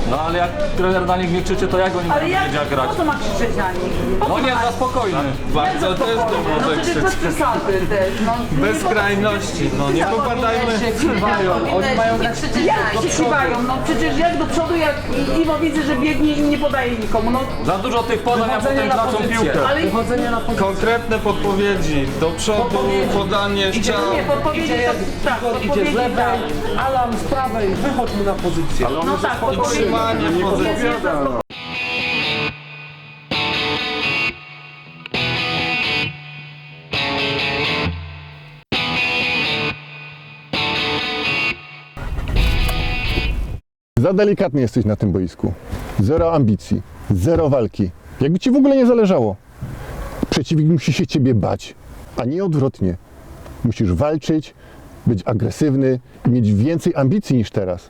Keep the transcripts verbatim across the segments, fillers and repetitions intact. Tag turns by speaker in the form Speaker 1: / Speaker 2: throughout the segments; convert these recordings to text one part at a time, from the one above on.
Speaker 1: No ale jak trener na nich nie krzyczy, to jak oni
Speaker 2: Ale
Speaker 1: będą
Speaker 2: jak,
Speaker 1: wiedzieć jak grać?
Speaker 2: po co ma krzyczeć na nich? Po
Speaker 1: No
Speaker 2: co
Speaker 1: nie,
Speaker 2: ma-
Speaker 1: za spokojny.
Speaker 3: Bardzo też to
Speaker 2: No
Speaker 3: może
Speaker 2: przecież bez
Speaker 3: krzyczeć.
Speaker 2: przesady też, no.
Speaker 3: Bez skrajności, no nie popadajmy.
Speaker 2: Oni mają grać. Jak się kiwają? No przecież jak do przodu, jak Iwo widzę, że biegnie i nie podaje nikomu, no.
Speaker 1: Za dużo tych podań, a potem tracą piłkę.
Speaker 2: Ale
Speaker 3: Konkretne podpowiedzi, do przodu, podanie,
Speaker 2: nie,
Speaker 3: ścian.
Speaker 2: podpowiedzi to tak,
Speaker 4: Idzie z
Speaker 2: podpowiedzi
Speaker 4: lewej,
Speaker 2: tak.
Speaker 4: alarm z prawej, wychodź mu na pozycję.
Speaker 2: No tak, podpowiedzi.
Speaker 3: Utrzymanie pozycji.
Speaker 5: Za delikatny jesteś na tym boisku. Zero ambicji, zero walki. Jakby ci w ogóle nie zależało. Przeciwnik musi się ciebie bać, a nie odwrotnie. Musisz walczyć, być agresywny i mieć więcej ambicji niż teraz.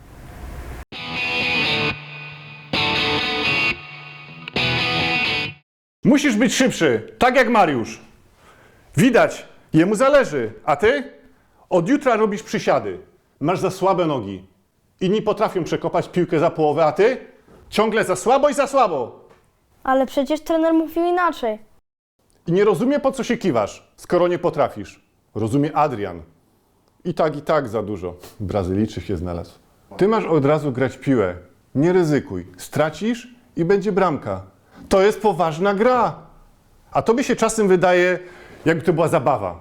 Speaker 6: Musisz być szybszy, tak jak Mariusz. Widać, jemu zależy, a ty? Od jutra robisz przysiady. Masz za słabe nogi. Inni potrafią przekopać piłkę za połowę, a ty? Ciągle za słabo i za słabo.
Speaker 7: Ale przecież trener mówił inaczej.
Speaker 6: I nie rozumie, po co się kiwasz, skoro nie potrafisz. Rozumie Adrian. I tak, i tak za dużo. Brazylijczyk się znalazł. Ty masz od razu grać piłę. Nie ryzykuj. Stracisz i będzie bramka. To jest poważna gra. A tobie się czasem wydaje, jakby to była zabawa.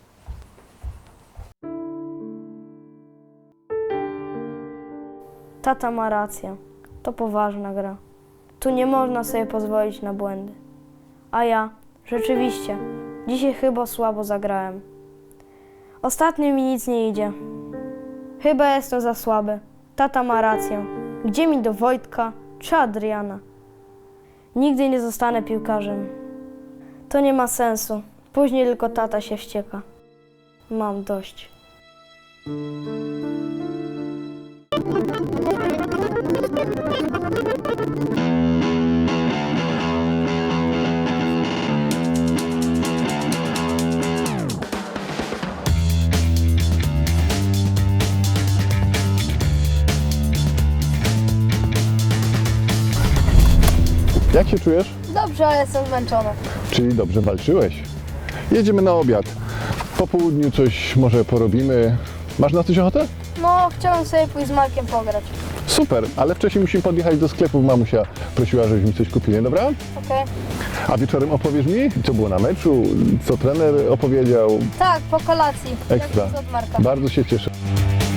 Speaker 7: Tata ma rację. To poważna gra. Tu nie można sobie pozwolić na błędy. A ja, rzeczywiście, dzisiaj chyba słabo zagrałem. Ostatnio mi nic nie idzie. Chyba jestem za słaby. Tata ma rację. Gdzie mi do Wojtka czy Adriana? Nigdy nie zostanę piłkarzem. To nie ma sensu. Później tylko tata się wścieka. Mam dość.
Speaker 5: Jak się czujesz?
Speaker 7: Dobrze, ale jestem zmęczona.
Speaker 5: Czyli dobrze walczyłeś. Jedziemy na obiad. Po południu coś może porobimy. Masz na coś ochotę?
Speaker 7: No, chciałem sobie pójść z Markiem pograć.
Speaker 5: Super, ale wcześniej musimy podjechać do sklepu. Mamusia prosiła, żebyśmy coś kupili, dobra?
Speaker 7: Okej?
Speaker 5: A wieczorem opowiesz mi, co było na meczu, co trener opowiedział.
Speaker 7: Tak, po kolacji.
Speaker 5: Ekstra.
Speaker 7: Jak od Marka.
Speaker 5: Bardzo się cieszę.